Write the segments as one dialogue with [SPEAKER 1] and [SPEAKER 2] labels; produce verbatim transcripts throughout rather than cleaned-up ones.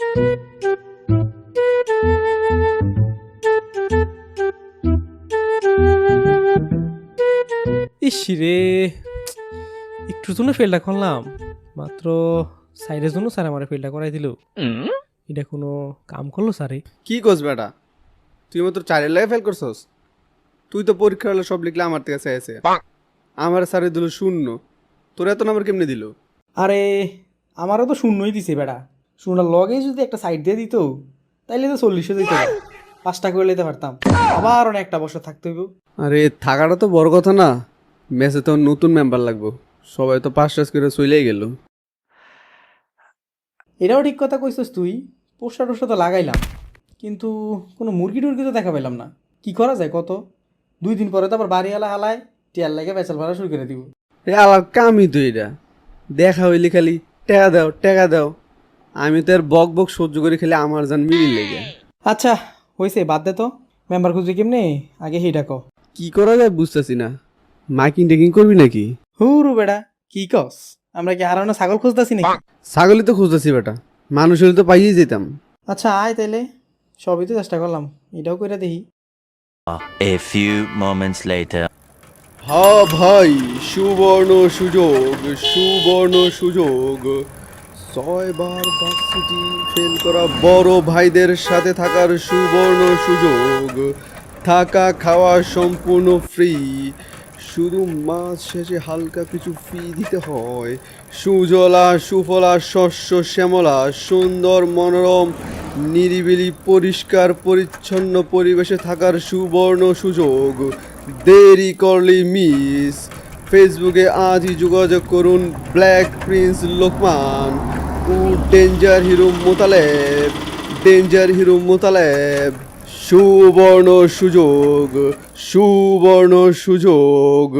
[SPEAKER 1] ইস রে, একটুর জন্য ফেলটা করলাম, মাত্র সাইডের জন্য স্যার আমার ফেলটা করাই দিল। এটা কোনো কাম করলো স্যারে?
[SPEAKER 2] কি করছ বেটা, তুই মাত্র চারের লাগে ফেল করছস? তুই তো পরীক্ষা হলে সব লিখলে আমার থেকে চাইছে, আমার স্যারে দিল শূন্য, তোর এত নাম্বার কেমনে দিল?
[SPEAKER 1] আরে আমারও তো শূন্যই দিছে বেটা। শূন্যটার লগে যদি একটা সাইড দিয়ে দিত তাইলে তো চল্লিশে দিত, পাঁচটা করে নিতে পারতাম, আবার অনেক একটা বছর থাকতে হইব।
[SPEAKER 2] আরে থাকাটা তো বড় কথা না, মেসে তো নতুন মেম্বার লাগবো, সবাই তো পাঁচ টাস করে চলেই গেল।
[SPEAKER 1] এটাও ঠিক কথা কইছিস তুই, পোস্টার টোস্টার তো লাগাইলাম, কিন্তু কোনো মুরগি টুরগি তো দেখা পেলাম না। কি করা যায় কত? দুই দিন পরে তো আবার বাড়ি এলা হালায় টিয়ার লাগে বেচাল ভাড়া শুরু করে দিব।
[SPEAKER 2] এ আলার কামই তো এটা, দেখা হইলে খালি টেকা দাও টেকা দাও, আমি তো আর বক বক সহ্য করে খেলে আমার জান মিলি লেগে।
[SPEAKER 1] আচ্ছা হয়েছে, বাদ দে তো, মেম্বার খুঁজবি কেমনে আগে সেই ডাকো।
[SPEAKER 2] কি করা যায় বুঝতেছি না, মাইকিং টেকিং করবি নাকি?
[SPEAKER 1] হুরু বেড়া, কি কস? আমরা কি হারানো ছাগল খুঁজতেছি নাকি?
[SPEAKER 2] ছাগলই তো খুঁজতেছি বেটা, মানুষ হলে তো পাইয়ে যেতাম।
[SPEAKER 1] আচ্ছা আয় তাইলে, সবই তো চেষ্টা করলাম, এটাও করে দেখি।
[SPEAKER 3] A few moments later.
[SPEAKER 2] হ্যাঁ ভাই, সুবর্ণ সুযোগ, সুবর্ণ সুযোগ, ছয়বার ভার্সিটি ফেল করা বড় ভাইদের সাথে থাকার সুবর্ণ সুযোগ, থাকা খাওয়া সম্পূর্ণ ফ্রি, শুধু মাস শেষে হালকা কিছু ফি দিতে হয়। সুজলা সুফলা শস্য শ্যামলা সুন্দর মনোরম নিরিবিলি পরিষ্কার পরিচ্ছন্ন পরিবেশে থাকার সুবর্ণ সুযোগ, দেরি করলি মিস। ফেসবুকে আজই যোগাযোগ করুন ব্ল্যাক প্রিন্স লোকমান ও danger hero Motaleb, danger hero Motaleb. সুবর্ণ সুযোগ, সুবর্ণ সুযোগ।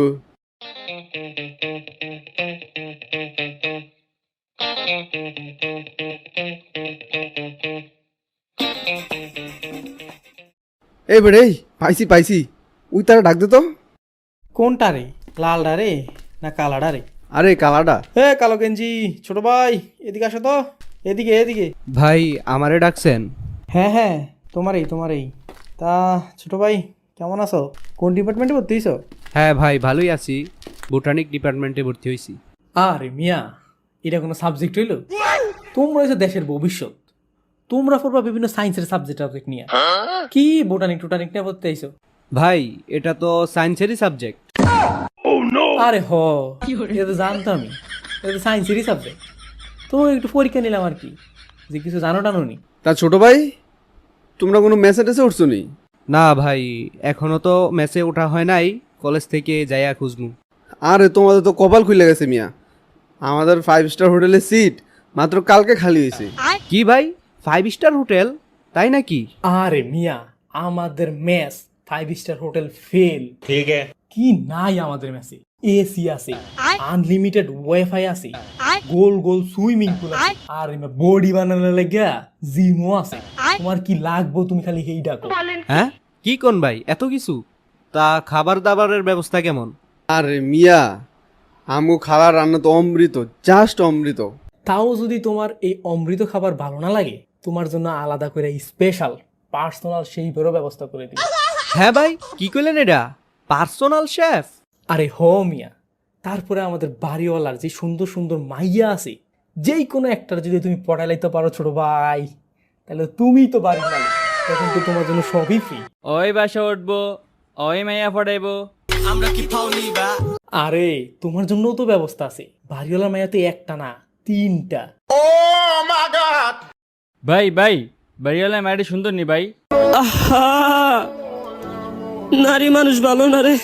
[SPEAKER 2] এই বেড়ে, পাইছি পাইছি, উই তারা ডাক দে তো।
[SPEAKER 1] কোনটা রে, লালডা রে না কালাডা রে?
[SPEAKER 2] আরে কালাডা।
[SPEAKER 1] হে কালো গেঞ্জি ছোট ভাই, এদিকে আসো তো, এদিকে এদিকে।
[SPEAKER 4] ভাই আমারে ডাকছেন?
[SPEAKER 1] হ্যাঁ হ্যাঁ তোমারই তোমারই। তা ছোট ভাই কেমন আছো? কোন ডিপার্টমেন্টে ভর্তি হইছো?
[SPEAKER 4] হ্যাঁ ভাই ভালোই আছি, বোটানিক ডিপার্টমেন্টে ভর্তি হয়েছি।
[SPEAKER 1] আরে মিয়া, এটা কোনো সাবজেক্ট হইলো? তোমরা হইছো দেশের ভবিষ্যৎ, তোমরা পড়বা বিভিন্ন সায়েন্সের সাবজেক্ট টাবজেক্ট নিয়ে, কি বোটানিক টোটানিক নিয়ে ভর্তি হইছো?
[SPEAKER 4] ভাই এটা তো সায়েন্সেরই সাবজেক্ট।
[SPEAKER 1] আরে হ, এটা তো জানতাম আমি, এটা তো সায়েন্সেরই সাবজেক্ট। তো একটু পরীক্ষা নিলাম আর কি, যে কিছু জানো টানো নি।
[SPEAKER 2] তা ছোট ভাই, তোমরা কোনো মেসে টেসে উঠছো নি?
[SPEAKER 4] না ভাই এখনো তো মেসে ওঠা হয় নাই, কলেজ থেকে যাইয়া খুঁজমু।
[SPEAKER 2] আরে তোমাদের তো কপাল খুলে গেছে মিয়া, আমাদের ফাইভ স্টার হোটেলের সিট মাত্র কালকে খালি হয়েছে।
[SPEAKER 4] কি ভাই, ফাইভ স্টার হোটেল তাই নাকি?
[SPEAKER 1] আরে মিয়া, আমাদের mess five star hotel fail. ঠিক আছে, কি নাই আমাদের মেসে? এসি আছে, আনলিমিটেড ওয়াইফাই আছে, গোল গোল সুইমিং পুল আছে, আর বডি বানানোর লাগা জিমও আছে। তোমার কি লাগবো তুমি খালি এই ডাকো।
[SPEAKER 4] হ্যাঁ কি কোন ভাই, এত কিছু? তা খাবার দাবারের ব্যবস্থা কেমন?
[SPEAKER 2] আরে মিয়া, আমগো খাবার রান্না তো অমৃত, জাস্ট অমৃত।
[SPEAKER 1] তাও যদি তোমার এই অমৃত খাবার ভালো না লাগে, তোমার জন্য আলাদা করে স্পেশাল পার্সোনাল সেইভাবে ব্যবস্থা করে দিই।
[SPEAKER 4] হ্যাঁ ভাই কি কইলেন এটা, পার্সোনাল শেফ?
[SPEAKER 1] আরে হ মিয়া, তারপরে আমাদের বাড়িওয়ালার যে সুন্দর সুন্দর মাইয়া আছে, যেই কোনো একটার যদি তুমি পড়াইতে পারো ছোট ভাই, তাহলে তুমি তো বাড়ির মালিক, তখন তো তোমার জন্য সবই ফ্রি।
[SPEAKER 5] ওই বাসা উঠবো, ওই মাইয়া পড়াইবো।
[SPEAKER 1] আরে তোমার জন্যও তো ব্যবস্থা আছে, বাড়িওয়ালার মাইয়া তো একটা না তিনটা।
[SPEAKER 5] ভাই ভাই, বাড়িওয়ালা মায়াটি সুন্দর নি ভাই?
[SPEAKER 6] নারী মানুষ ভালো না রে।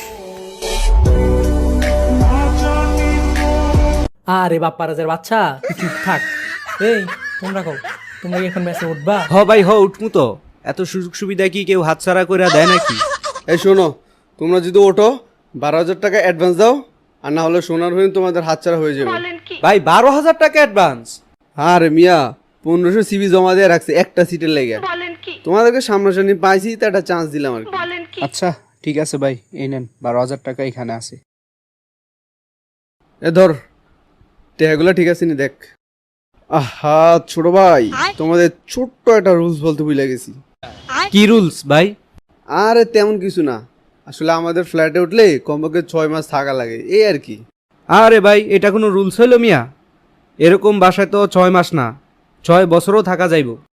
[SPEAKER 1] আরে বাপ্পা রাজার বাচ্চা, তুই চুপ থাক। এই তোমরা কও, তোমরা কি এখন মেসে উঠবা?
[SPEAKER 4] হ ভাই হ, উঠমু তো। এত সুযোগ সুবিধা কি কেউ হাতছাড়া করে দেয় নাকি?
[SPEAKER 2] এই শোনো, তোমরা যদি ওঠো বারো হাজার টাকা অ্যাডভান্স দাও, আর না হলে সোনার হয়ে তোমাদের হাতছাড়া হয়ে যাবে।
[SPEAKER 4] ভাই বারো হাজার টাকা অ্যাডভান্স?
[SPEAKER 2] আরে মিয়া, পনেরোশো সিবি জমা দিয়ে রাখছে একটা সিটের লেগে, তোমাদেরকে সামনাসামনি পাইছি তো একটা চান্স দিলাম আর কি।
[SPEAKER 7] আচ্ছা ঠিক আছে ভাই, এই নেন বারো হাজার টাকা এখানে আছে।
[SPEAKER 2] এ ধর, টেহাগুলো ঠিক আছে নি দেখ। আহা ছোট ভাই, তোমাদের ছোট্ট একটা রুলস বলতে ভুলে গেছি।
[SPEAKER 4] কি রুলস ভাই?
[SPEAKER 2] আরে তেমন কিছু না, আসলে আমাদের ফ্ল্যাটে উঠলে কমপক্ষে ছয় মাস থাকা লাগে, এই আর কি।
[SPEAKER 4] আরে ভাই, এটা কোনো রুলস হইল মিয়া? এরকম বাসায় তো ছয় মাস না, ছয় বছরও থাকা যাইব।